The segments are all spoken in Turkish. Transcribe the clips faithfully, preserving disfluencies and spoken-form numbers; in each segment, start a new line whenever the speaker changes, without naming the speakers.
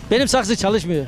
Benim saksı çalışmıyor.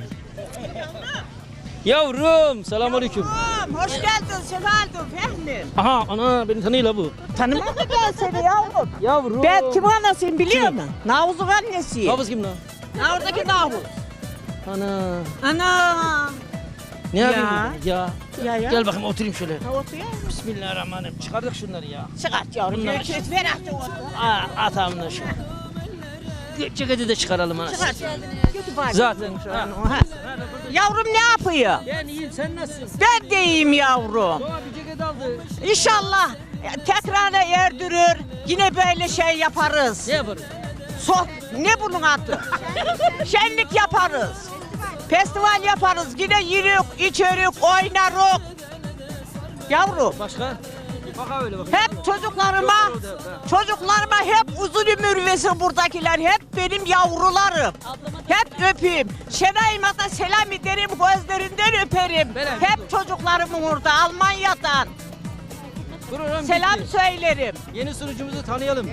Yavrum, selamünaleyküm.
Yavrum, hoş geldin, sefaldın Fehmi.
Aha, ana beni tanıyla bu.
Tanımadı ben seni yavrum.
Yavrum.
Ben kim anasıyım biliyor
Kim?
musun? Navuz'un annesiyim.
Hafız kim lan?
Ha, oradaki Navuz.
Ana.
Ana.
Ne
Ya.
yapıyorsun? Ya.
Ya ya.
Gel bakayım oturayım şöyle.
Ha, otur ya.
Bismillahirrahmanirrahim. Çıkardık şunları ya.
Çıkart yavrum.
Bunlar-
Gökçet ver artık otur.
Aa, at amına şu. Ceketi de çıkaralım anasını.
Çıkart. Kötü bari.
Zaten. Ha.
Ha. Yavrum ne yapıyor?
Ben iyiyim, sen nasılsın?
Ben de iyiyim yavrum.
Doğa bir ceket aldı.
İnşallah tekrara erdirir. Yine böyle şey yaparız.
Ne yaparız?
Soh, ne bunun adı? Şenlik yaparız. Festival yaparız. Yine yürük, içerik, oynarız. Yavrum,
Başka? Bak öyle bak.
hep çocuklarıma, çocuklarıma hep uzun ömür versin buradakiler. Hep benim yavrularım. Hep öpeyim. Şenay'ıma da selam ederim, gözlerinden öperim.
Beren,
Hep çocuklarımın orada, Almanya'dan.
Program
Selam
bitti.
söylerim.
Yeni sunucumuzu tanıyalım.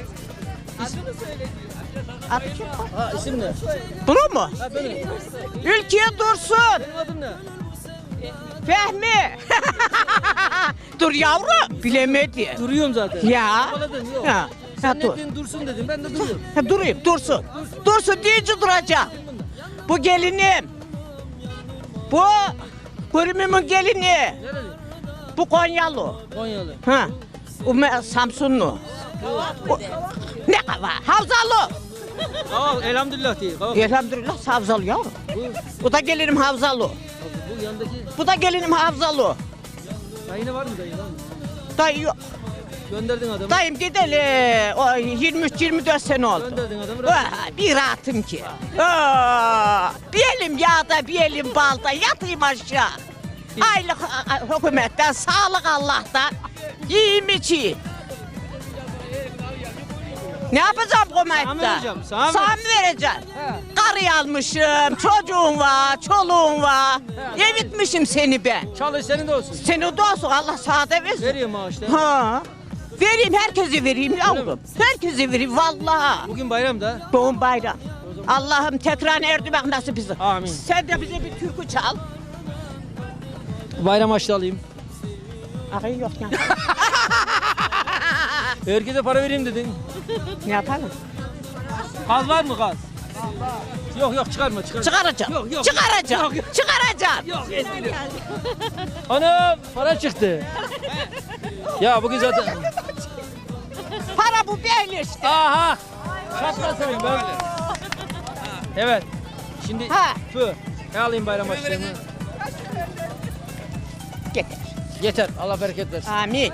Adı kim?
Ha isim ne?
Bunu mu?
Ha benim.
Ülkeye Dursun.
Benim adım ne?
Fehmi. Dur yavrum. Bilemedi.
Duruyorum zaten.
Ya.
Yakaladın yok.
Ya.
Sen
Ya
ne
dur.
dedin dursun dedim ben de duruyorum.
Ha, durayım. Dursun. Dursun deyince duracağım. Bu gelinim. Bu Kurum'un gelini.
Nereli?
Bu Konyalı.
Konyalı.
Ha. Bu me- Samsunlu. Bu- ne kava? Havzalı.
Aa elhamdülillah değil. Kavak.
Elhamdülillah Havzalı yavrum.
Bu,
Bu da gelinim Havzalı.
bu yandaki
Bu da gelinim Havzalı.
dayına var mı dayı lan?
Dayı yok.
Gönderdin adamı.
Dayım gideli o yirmi üç yirmi dört sene oldu.
Gönderdin adamı. rahat-
Aa, bir rahatım ki. Aa, bir elim yağda bir elim balda yatayım aşağı. Aylık a- a- hükümetten, sağlık Allah'tan. Yiyeyim içeyim. Ne yapacağım
Sana mı
komaytta?
vereceğim, sana mı
Sana mı vereceğim?
He.
Karı almışım, çocuğum var, çoluğum var. Evitmişim seni ben.
Çalış senin de olsun.
Seni de olsun Allah sağda versin.
Veriyor maaşlar.
Ha. Vereyim herkese vereyim
mi?
yavrum. Herkese vereyim vallahi.
Bugün bayramda.
Doğum bayram. Allah'ım tekrar erdimek nasip bize.
Amin.
Sen de bize bir türkü çal.
Bayram açtı alayım.
Akın yok ya.
Herkese para vereyim dedin.
Ne yapalım?
Gaz var mı gaz? Yok yok çıkarma çıkarma.
Çıkaracağım.
Yok, yok.
Çıkaracağım.
Yok, yok.
Çıkaracağım.
Yok eziliyor. Ana para çıktı. Ya bugün zaten.
Para bu belli işte.
Aha. Çatlasın ben. Evet. Şimdi
Ha.
fı. Ne alayım bayram açlığını?
Yeter.
Yeter. Allah bereket versin.
Amin.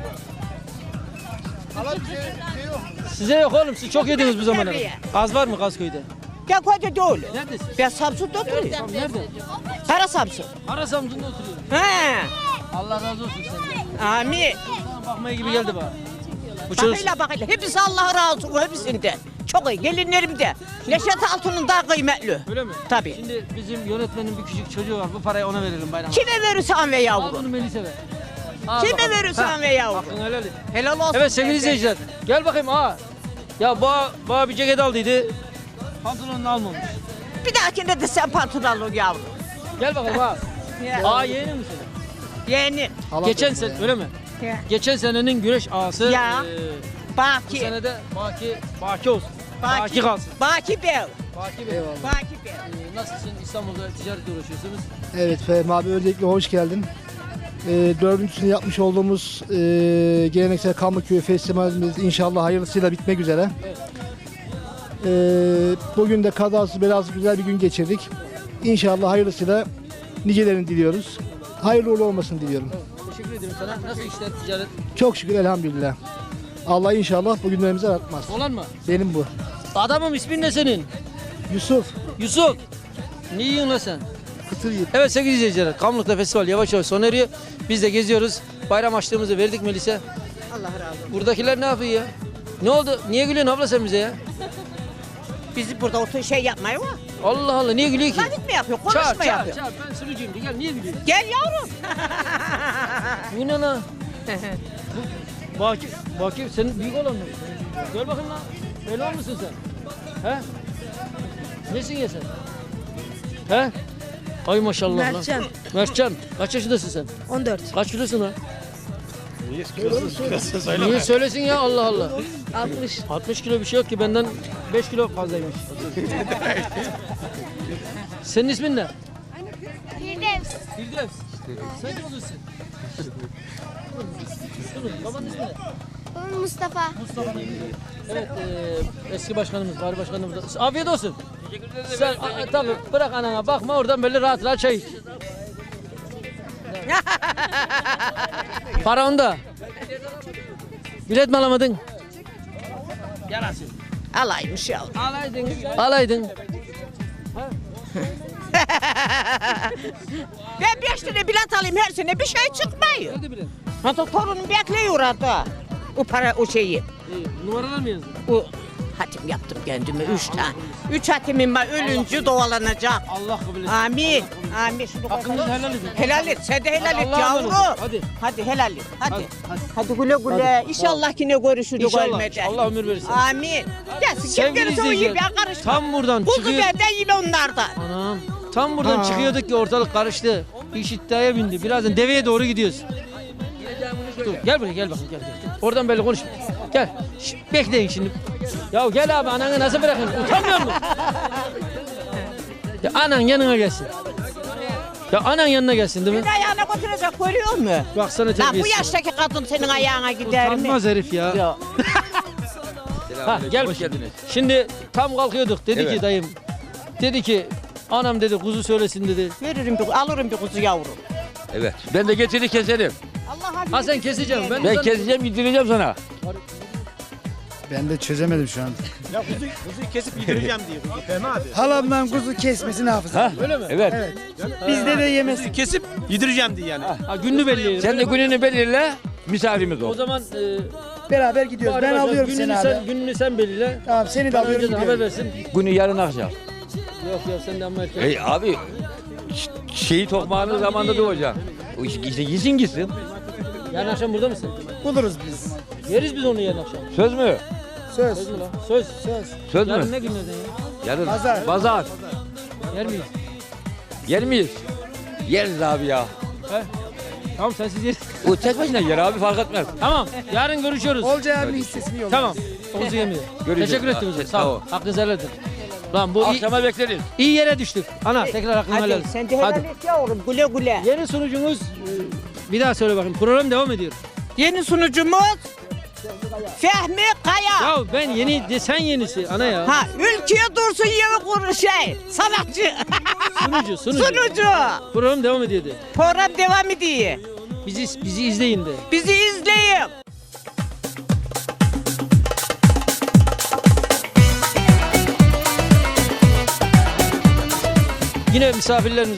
Size yok oğlum. Siz çok yediniz bu zamana.
Nereye?
Gaz var mı Gazköy'de?
Ben koca doğulu.
Neredesin?
Ben Samsun'da oturuyorum.
Tamam nerede?
Kara Samsun.
Ara Samsun'da oturuyorum.
He.
Allah razı olsun senden.
Amin.
Bakmaya gibi geldi bana. Bu çocuk
Bakıyla bakıyla. Hepsi Allah razı olsun hepsinden. Çok iyi. Gelinlerim de. Neşet Altun'un daha kıymetli.
öyle mi?
Tabii.
Şimdi bizim yönetmenin bir küçük çocuğu var. Bu parayı ona verelim bayram.
Kime verirsen ve
Al
yavrum.
bunu Melis'e ver. Al
Kime
bakalım.
verirsen
Ha,
ve yavrum.
Hakkını helal et.
Helal olsun.
Evet sevgili
teyze.
izleyiciler. Gel bakayım aa. Ya bana, bana bir ceket aldıydı. Pantolonunu almamış.
Bir dahakinde de sen pantolon al yavrum.
Gel bakalım aa. Aa yeğenin mi senin?
Yeğenim.
Geçen sene öyle mi?
Ya.
Geçen senenin güreş ağası.
Ya.
eee, bu
Baki.
sene de Baki, Baki olsun. Baki, kalsın.
Baki Bey.
Baki Bey.
Baki Bey.
Eee, nasılsın? İstanbul'da ticaretle uğraşıyorsunuz.
Evet Fehmi abi öncelikle hoş geldin. Ee, dördüncüsünü yapmış olduğumuz e, geleneksel Kamlıköy Festivalimiz inşallah hayırlısıyla bitmek üzere.
Evet.
Ee, bugün de kazasız belasız güzel bir gün geçirdik. İnşallah hayırlısıyla nicelerini diliyoruz. Hayırlı uğurlu olmasını diliyorum.
Teşekkür ederim sana. Nasıl işler ticaret?
Çok şükür elhamdülillah. Allah inşallah bu günlerimizi aratmaz.
Olan mı?
Benim bu.
Adamım ismin ne senin?
Yusuf
Yusuf. Ne yiyorsun lan sen?
Kıtır Yiğit.
Evet sevgili izleyiciler, Kamlık'ta festival yavaş yavaş sona eriyor. Biz de geziyoruz. Bayram açlığımızı verdik Melis'e.
Allah razı olsun.
Buradakiler ne yapıyor ya? Ne oldu? Niye gülüyorsun abla sen bize ya?
Bizi burada otur şey yapmayı var.
Allah Allah niye gülüyor ki?
Vakit mi yapıyor? Konuşma
Çağır çağır
yapıyor.
çağır ben sürücüyüm de gel niye gülüyorsun?
Gel yavrum.
Bu ne lan? Bu- Baki, Baki senin büyük olan mı? Gel bakayım lan. Öyle musun sen? He? Nesin ya sen? He? Ay maşallah lan.
Mertcan.
Mertcan. Kaç yaşındasın sen?
on dört.
Kaç kilosun lan? Niye söylesin ya Allah Allah.
altmış.
altmış kilo bir şey yok ki benden beş kilo fazlaymış. Senin ismin ne?
Firdevs.
Firdevs. Sen kim oluyorsun? Babanın ismi ne?
Babam Mustafa.
Evet, e, eski başkanımız, bari başkanımız. Afiyet olsun. Teşekkür ederim. Sen a, tabii bırak anana bakma oradan böyle rahat rahat çay iç. Para onda. Bilet mi alamadın? Yarasın.
Alaymış ya.
Alaydın. Alaydın.
Ben beş tane bilet alayım her sene bir şey çıkmıyor.
Hadi bilet.
Hatta torunum bekliyor orada. O para o şeyi.
İyi, numaralar mı yazdın?
O hatim yaptım kendime üç tane. Üç hatimim var ölünce dovalanacak.
Allah kabul etsin.
Amin. Amin. Şunu koy.
Hakkınızı helal edin.
Helal et. Sen de helal et
Allah'a
yavru.
emanet olun. Hadi.
Hadi helal et. Hadi.
Hadi,
Hadi,
hadi.
güle güle. İnşallah yine görüşürüz
İnşallah.
ölmeden.
Allah ömür verirsin.
Amin. Gelsin kim
Sevgili
gelirse o iyi
izleyiciler,
ben karışmam.
tam buradan
Kuzu
çıkıyor.
benden yine onlardan.
Anam. Tam buradan çıkıyorduk ki ortalık karıştı. İş iddiaya bindi. Birazdan deveye doğru gidiyoruz. Dur, gel buraya gel bakayım gel, gel. Oradan böyle konuş. Gel. Şşt, bekleyin şimdi. Ya gel abi ananı nasıl bırakın? Utanmıyor musun? Ya anan yanına gelsin. Ya anan yanına gelsin değil mi?
Bir ayağına götürecek görüyor musun?
Baksana
Lan bu
terbiyesiz.
yaştaki kadın senin ayağına gider mi?
Utanmaz herif ya.
Ya.
Ha gel.
Hoş geldiniz.
Şimdi tam kalkıyorduk. Dedi
Evet.
ki dayım. Dedi ki anam dedi kuzu söylesin dedi.
Veririm bir, alırım bir kuzu yavrum.
Evet. Ben de getirip keserim.
Allah
Ha sen keseceğim. Ben,
Ben
ben
keseceğim, yedireceğim sana.
Ben de çözemedim şu an.
Ya kuzu, kuzuyu kesip yedireceğim diyor. Fehmi abi.
Halamdan kuzu kesmesini hafıza.
Ha?
Öyle mi?
Evet.
Bizde de yemez.
Kuzuyu kesip yedireceğim diye yani.
Ha gününü belli.
Sen de gününü belirle, misafirimiz
O
ol.
zaman e,
Beraber gidiyoruz. Ben
arkadaşlar,
alıyorum
gününü
seni
sen,
abi.
gününü sen belirle.
Tamam seni de
Bana
alıyorum
önceden haber
gidiyorum.
versin.
Günü yarın akşam.
Yok ya sen de amma erken.
Hey abi, ş- şeyi tokmağının zamanında doğacaksın. O iş- İşte gitsin gitsin.
Yarın akşam burada mısın?
Buluruz biz.
Yeriz biz onu yarın akşam.
Söz mü?
Söz.
Söz mü lan? Söz. Söz.
Söz
Yarın
mü?
ne günlerden ya?
Yarın.
Pazar.
Pazar.
Yer miyiz?
Yer miyiz? Yeriz abi ya.
He? Tamam sensiz yeriz.
O tek başına yer abi fark etmez.
Tamam. Yarın görüşüyoruz.
Olcay abinin hissesini yolla.
Tamam. Kuzu yemiyor.
Görüşürüz.
Teşekkür ettim size.
Ha,
Sağ ol.
tamam.
Hakkınızı helal edin. Lan bu iyi,
Akşama bekleriz.
iyi yere düştük. Ana tekrar hakkını helal
Hadi
et.
sen de helal
Hadi.
et yavrum güle güle.
Yeni sunucumuz e, bir daha söyle bakayım. Program devam ediyor.
Yeni sunucumuz Fehmi Kaya.
Ya ben yeni de sen yenisi ana ya.
Ha ülkeye dursun yeni kuru şey. Sanatçı.
Sunucu, sunucu.
Sunucu.
Program devam ediyordu.
Program devam ediyor.
Bizi bizi izleyin de.
Bizi izleyin.
Yine misafirlerimiz